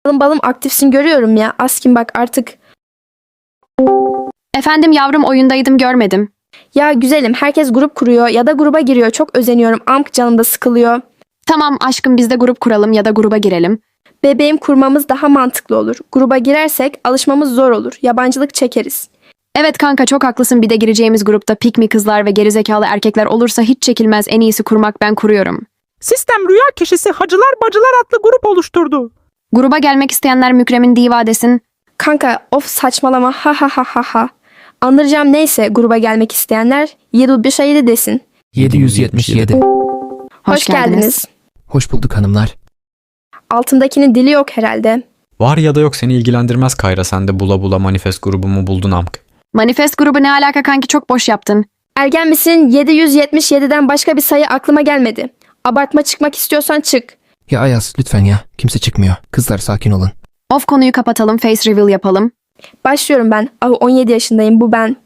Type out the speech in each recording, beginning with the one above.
Balım aktifsin görüyorum ya. Askin bak artık. Efendim yavrum, oyundaydım, görmedim. Ya güzelim, herkes grup kuruyor ya da gruba giriyor. Çok özeniyorum. Amk canım da sıkılıyor. Tamam aşkım, biz de grup kuralım ya da gruba girelim. Bebeğim, kurmamız daha mantıklı olur. Gruba girersek alışmamız zor olur. Yabancılık çekeriz. Evet kanka, çok haklısın, bir de gireceğimiz grupta pikmi kızlar ve gerizekalı erkekler olursa hiç çekilmez, en iyisi kurmak, ben kuruyorum. Sistem rüya kişisi Hacılar Bacılar adlı grup oluşturdu. Gruba gelmek isteyenler Mükremin diva desin. Kanka of saçmalama ha ha ha ha ha. Anlayacağım neyse, gruba gelmek isteyenler 7 desin. 777. Hoş geldiniz. Hoş bulduk hanımlar. Altındakinin dili yok herhalde. Var ya da yok seni ilgilendirmez Kayra, sen de bula bula manifest grubumu buldun amk. Manifest grubu ne alaka kanki, çok boş yaptın. Ergen misin? 777'den başka bir sayı aklıma gelmedi. Abartma, çıkmak istiyorsan çık. Ya Ayaz lütfen ya. Kimse çıkmıyor. Kızlar sakin olun. Of, konuyu kapatalım, face reveal yapalım. Başlıyorum ben. 17 yaşındayım, bu ben.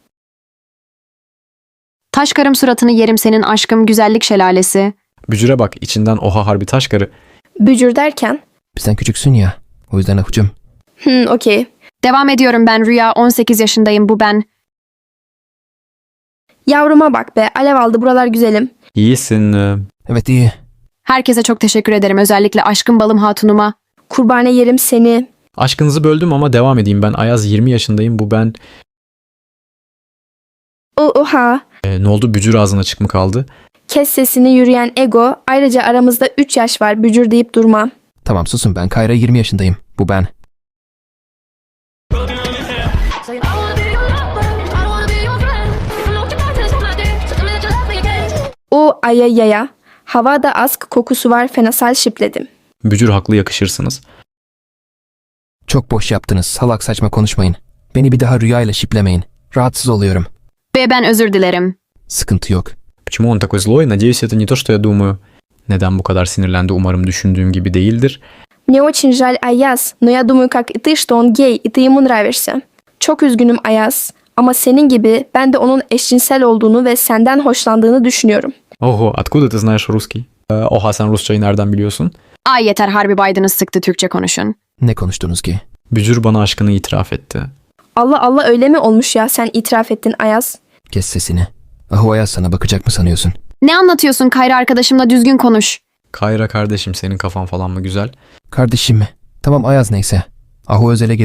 Taş karım, suratını yerim senin aşkım, güzellik şelalesi. Bücüre bak, içinden oha harbi taş karı. Bücür derken? Bizden küçüksün ya. O yüzden ahucum. Okey. Devam ediyorum ben, Rüya, 18 yaşındayım, bu ben. Yavruma bak be, alev aldı buralar güzelim. İyisin. Evet iyi. Herkese çok teşekkür ederim, özellikle aşkım balım hatunuma. Kurbane yerim seni. Aşkınızı böldüm ama devam edeyim, ben Ayaz, 20 yaşındayım, bu ben. Oha. Ne oldu, bücür ağzına çık mı kaldı? Kes sesini yürüyen ego. Ayrıca aramızda 3 yaş var, bücür deyip durma. Tamam susun, ben Kayra, 20 yaşındayım. Bu ben. O ayayaya. Havada ask kokusu var, fenasal şipledim. Bücür haklı, yakışırsınız. Çok boş yaptınız. Salak saçma konuşmayın. Beni bir daha rüyayla şiplemeyin. Rahatsız oluyorum. Ve ben özür dilerim. Sıkıntı yok. Почему он такой злой? Надеюсь, это не то, что я думаю. Neden bu kadar sinirlendi? Umarım düşündüğüm gibi değildir. Мне очень жаль, Ayaz, но я думаю, как и ты, что он гей, и ты ему нравишься. Çok üzgünüm Ayaz, ama senin gibi ben de onun eşcinsel olduğunu ve senden hoşlandığını düşünüyorum. Oho, откуда ты знаешь русский? Oha, sen Rusçayı nereden biliyorsun? Ay yeter, harbi Biden'ız sıktı, Türkçe konuşun. Ne konuştunuz ki? Bücür bana aşkını itiraf etti. Allah Allah, öyle mi olmuş ya, sen itiraf ettin Ayaz? Kes sesini. Ahu Ayaz sana bakacak mı sanıyorsun? Ne anlatıyorsun Kayra, arkadaşımla düzgün konuş. Kayra kardeşim, senin kafan falan mı güzel? Kardeşim mi? Tamam Ayaz neyse. Ahu Özel'e